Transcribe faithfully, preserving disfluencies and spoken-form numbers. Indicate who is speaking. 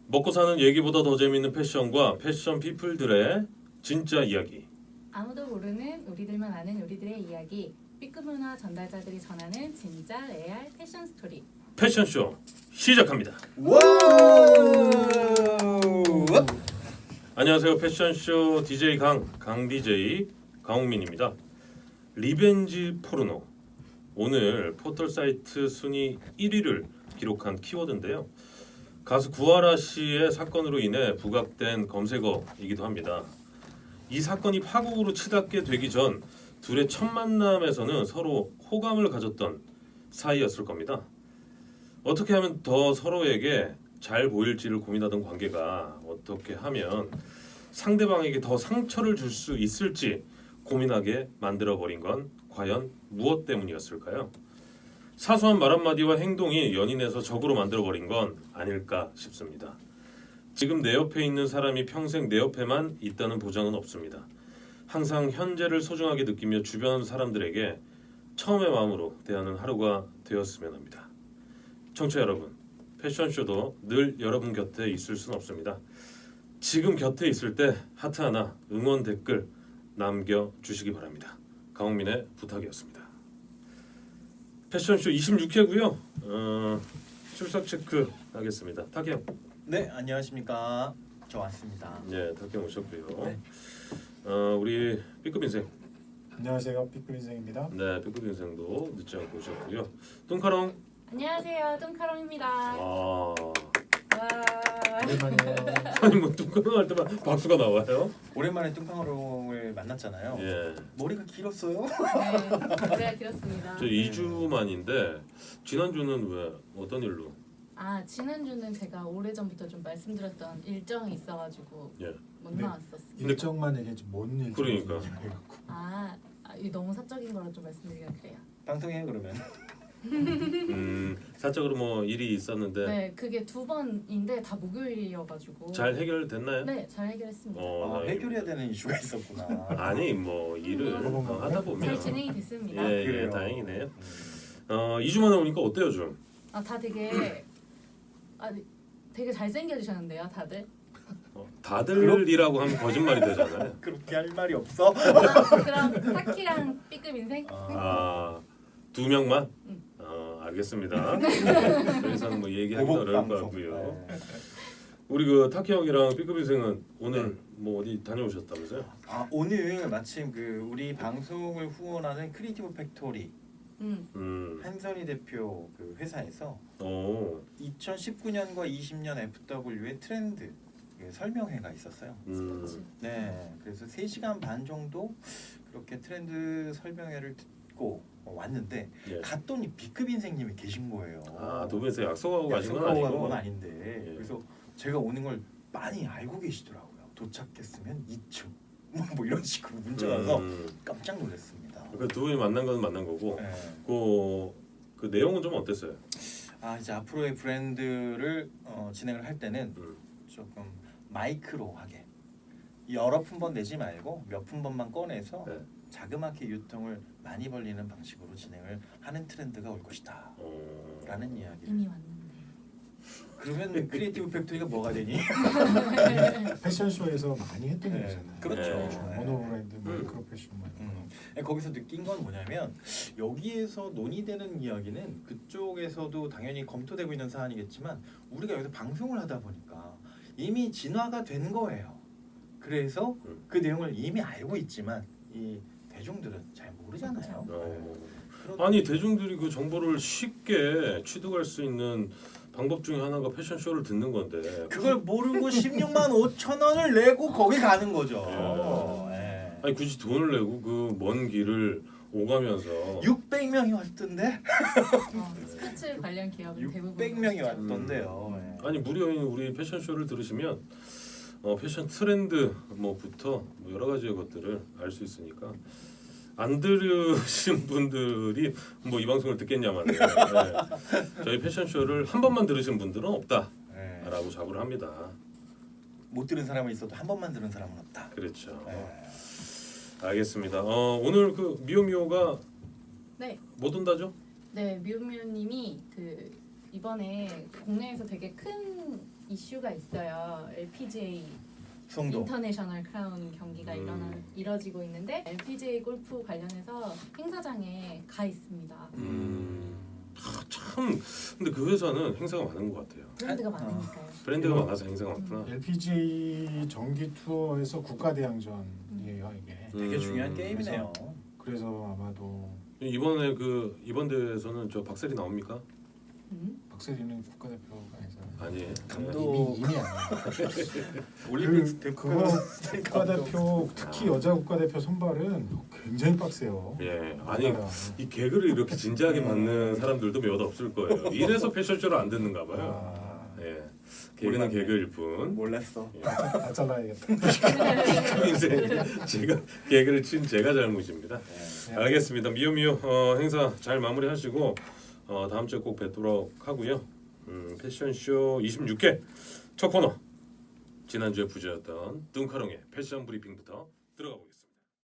Speaker 1: 먹고 사는 얘기보다 더 재밌는 패션과 패션 피플들의 진짜 이야기.
Speaker 2: 아무도 모르는 우리들만 아는 우리들의 이야기. B급 문화 전달자들이 전하는 진짜 레알 패션 스토리.
Speaker 1: 패션쇼 시작합니다.
Speaker 3: 와우!
Speaker 1: 안녕하세요. 패션쇼 디제이 강, 강 디제이 강홍민입니다. 리벤지 포르노. 오늘 포털 사이트 순위 일 위를 기록한 키워드인데요. 가수 구하라 씨의 사건으로 인해 부각된 검색어이기도 합니다. 이 사건이 파국으로 치닫게 되기 전 둘의 첫 만남에서는 서로 호감을 가졌던 사이였을 겁니다. 어떻게 하면 더 서로에게 잘 보일지를 고민하던 관계가 어떻게 하면 상대방에게 더 상처를 줄 수 있을지 고민하게 만들어버린 건 과연 무엇 때문이었을까요? 사소한 말 한마디와 행동이 연인에서 적으로 만들어버린 건 아닐까 싶습니다. 지금 내 옆에 있는 사람이 평생 내 옆에만 있다는 보장은 없습니다. 항상 현재를 소중하게 느끼며 주변 사람들에게 처음의 마음으로 대하는 하루가 되었으면 합니다. 청취자 여러분, 패션쇼도 늘 여러분 곁에 있을 수는 없습니다. 지금 곁에 있을 때 하트 하나, 응원 댓글 남겨주시기 바랍니다. 강홍민의 부탁이었습니다. 패션쇼 이십육 회고요. 어, 출석 체크 하겠습니다. 타경.
Speaker 3: 네, 안녕하십니까. 저 왔습니다.
Speaker 1: 네, 타경 오셨고요.
Speaker 3: 네.
Speaker 1: 어, 우리 B급 인생.
Speaker 4: 안녕하세요, B급 인생입니다.
Speaker 1: 네, B급 인생도 늦지 않고 오셨고요. 뚱카롱.
Speaker 2: 안녕하세요. 뚱카롱입니다.
Speaker 1: 아,
Speaker 2: 와.
Speaker 4: 오랜만이에요.
Speaker 1: 아니 뭐 뚱카롱 할 때만 박수가 나와요?
Speaker 3: 오랜만에 뚱팡어롱을 만났잖아요.
Speaker 1: 예.
Speaker 3: 머리가 길었어요?
Speaker 2: 네, 노래가 길었습니다.
Speaker 1: 저 이 주 만인데 지난주는 왜 어떤 일로?
Speaker 2: 아, 지난주는 제가 오래전부터 좀 말씀드렸던 일정이 있어가지고
Speaker 1: 예.
Speaker 2: 못
Speaker 4: 네.
Speaker 2: 나왔었어요.
Speaker 4: 일정만 얘기하지 뭔 일정?
Speaker 1: 그러니까.
Speaker 2: 아, 아, 이 너무 사적인 거라 좀 말씀드리기가 그래요.
Speaker 3: 방송해 그러면.
Speaker 1: 음, 사적으로 뭐 일이 있었는데
Speaker 2: 네, 그게 두 번인데 다 목요일이어가지고.
Speaker 1: 잘 해결됐나요?
Speaker 2: 네, 잘 해결했습니다.
Speaker 1: 어,
Speaker 3: 아,
Speaker 1: 다행입니다.
Speaker 3: 해결해야 되는 이슈가 있었구나.
Speaker 1: 아니 뭐 일을
Speaker 2: 음.
Speaker 1: 어, 하다 보면
Speaker 2: 잘 진행이 됐습니다.
Speaker 1: 예, 예,
Speaker 3: 그래요.
Speaker 1: 다행이네요.
Speaker 3: 음.
Speaker 1: 어, 이 주 만에 오니까 어때요, 좀?
Speaker 2: 아, 다 되게 아, 되게 잘 생겨주셨는데요, 다들.
Speaker 1: 어, 다들이라고 하면 거짓말이 되잖아요.
Speaker 3: 그렇게 할 말이 없어?
Speaker 2: 아, 그럼 타키랑 B급 인생?
Speaker 1: 아, 두 명만?
Speaker 2: 응.
Speaker 1: 어, 알겠습니다. 더 이상 뭐 얘기하기
Speaker 3: 보복
Speaker 1: 어려울 것
Speaker 3: 방송.
Speaker 1: 같고요.
Speaker 3: 네.
Speaker 1: 우리 그 타키 형이랑 B급 인생은 오늘 뭐 어디 다녀오셨다면서요?
Speaker 3: 아, 오늘 마침 그 우리 방송을 후원하는 크리에이티브 팩토리
Speaker 2: 음.
Speaker 1: 음,
Speaker 3: 한선희 대표 그 회사에서
Speaker 1: 오,
Speaker 3: 이천십구 년과 이십 년 에프더블유의 트렌드 그 설명회가 있었어요.
Speaker 1: 음,
Speaker 3: 네, 그래서 세 시간 반 정도 그렇게 트렌드 설명회를 듣고 왔는데
Speaker 1: 예.
Speaker 3: 갔더니 B급 인생님이 계신 거예요.
Speaker 1: 아, 두 분이서 약속하고 가신 건
Speaker 3: 약속하고 간
Speaker 1: 아니고.
Speaker 3: 건 아닌데
Speaker 1: 예.
Speaker 3: 그래서 제가 오는 걸 많이 알고 계시더라고요. 도착했으면 이 층 뭐 이런 식으로 문자 와서
Speaker 1: 음,
Speaker 3: 깜짝 놀랐습니다.
Speaker 1: 그두 분이 만난 건 만난 거고.
Speaker 3: 네.
Speaker 1: 그, 그 내용은 좀 어땠어요?
Speaker 3: 아 이제 앞으로의 브랜드를 어, 진행을 할 때는
Speaker 1: 음,
Speaker 3: 조금 마이크로하게 여러 품번 내지 말고 몇 품번만 꺼내서
Speaker 1: 네.
Speaker 3: 자그맣게 유통을 많이 벌리는 방식으로 진행을 하는 트렌드가 올 것이다
Speaker 1: 어,
Speaker 3: 라는 이야기를
Speaker 2: 이미 왔는데.
Speaker 3: 그러면 크리에이티브 팩토리가 뭐가 되니?
Speaker 4: 패션쇼에서 많이 했던
Speaker 3: 네,
Speaker 4: 일이잖아요.
Speaker 3: 그렇죠.
Speaker 1: 네.
Speaker 4: 모노브랜드, 마이크로 패션 뭐 이런
Speaker 3: 음. 거기서 느낀 건 뭐냐면 여기에서 논의되는 이야기는 그쪽에서도 당연히 검토되고 있는 사안이겠지만 우리가 여기서 방송을 하다 보니까 이미 진화가 된 거예요. 그래서
Speaker 1: 음.
Speaker 3: 그 내용을 이미 알고 있지만 이 대중들은 잘 모르잖아요.
Speaker 1: 어.
Speaker 3: 그런-
Speaker 1: 아니 대중들이 그 정보를 쉽게 취득할 수 있는 방법 중에 하나가 패션쇼를 듣는 건데
Speaker 3: 그걸 모르고 십육만 오천 원을 내고 거기 가는 거죠. 예.
Speaker 1: 아니 굳이 돈을 내고 그 먼 길을 오가면서
Speaker 3: 육백 명이 왔던데?
Speaker 2: 어, 스포츠 관련 기업은 대부분
Speaker 3: 육백 명이
Speaker 2: 그렇죠.
Speaker 3: 왔던데요.
Speaker 1: 음.
Speaker 3: 예.
Speaker 1: 아니 무료인 우리 패션쇼를 들으시면 어, 패션 트렌드 뭐부터 뭐 여러 가지의 것들을 알 수 있으니까 안 들으신 분들이 뭐 이 방송을 듣겠냐만 네. 저희 패션쇼를 한 번만 들으신 분들은 없다라고
Speaker 3: 예.
Speaker 1: 자부를 합니다.
Speaker 3: 못 들은 사람은 있어도 한 번만 들은 사람은 없다.
Speaker 1: 그렇죠.
Speaker 3: 예.
Speaker 1: 알겠습니다. 어, 오늘 그 미오미오가
Speaker 2: 네,
Speaker 1: 못 온다죠?
Speaker 2: 네 미우미우님이 그 이번에 국내에서 되게 큰 이슈가 있어요. 엘피지에이
Speaker 3: 송도.
Speaker 2: 인터내셔널 크라운 경기가
Speaker 1: 음.
Speaker 2: 일어나 이뤄지고 있는데 엘피지에이 골프 관련해서 행사장에 가 있습니다.
Speaker 1: 음. 아, 참 근데 그 회사는 행사가 많은 것 같아요.
Speaker 2: 브랜드가
Speaker 3: 아.
Speaker 2: 많으니까요.
Speaker 1: 브랜드가
Speaker 4: 음.
Speaker 1: 많아서 행사가 많구나.
Speaker 4: 엘피지에이 정기 투어에서 국가대항전이에요 이게.
Speaker 3: 되게
Speaker 1: 음.
Speaker 3: 중요한 게임이네요.
Speaker 4: 그래서 아마도
Speaker 1: 이번에 그 이번 대회에서는 저 박셀이 나옵니까?
Speaker 2: 음?
Speaker 4: 박세리는 국가대표가 아니잖아요.
Speaker 1: 아니에요.
Speaker 3: 감독.
Speaker 4: 이미 이미 아니에요.
Speaker 3: 올림픽
Speaker 4: 그,
Speaker 3: 대표
Speaker 4: 그거 국가대표 특히 여자 국가대표 선발은 굉장히 빡세요.
Speaker 1: 예. 아니
Speaker 4: 맞아요.
Speaker 1: 이 개그를 이렇게 진지하게 받는 사람들도 몇 없을 거예요. 이래서 패션쇼를 안 듣는가 봐요.
Speaker 4: 아,
Speaker 1: 예. 개그는
Speaker 3: 몰랐네.
Speaker 1: 개그일 뿐.
Speaker 3: 몰랐어.
Speaker 1: 예.
Speaker 4: 다 잘라야겠다.
Speaker 1: 인생 제가 개그를 친 제가 잘못입니다.
Speaker 3: 네.
Speaker 1: 알겠습니다. 미오미오 어, 행사 잘 마무리하시고 어, 다음 주에 꼭 뵙도록 하고요. 음, 패션쇼 이십육 회 첫 코너 지난주에 부재였던 뚱카롱의 패션 브리핑부터 들어가 보겠습니다.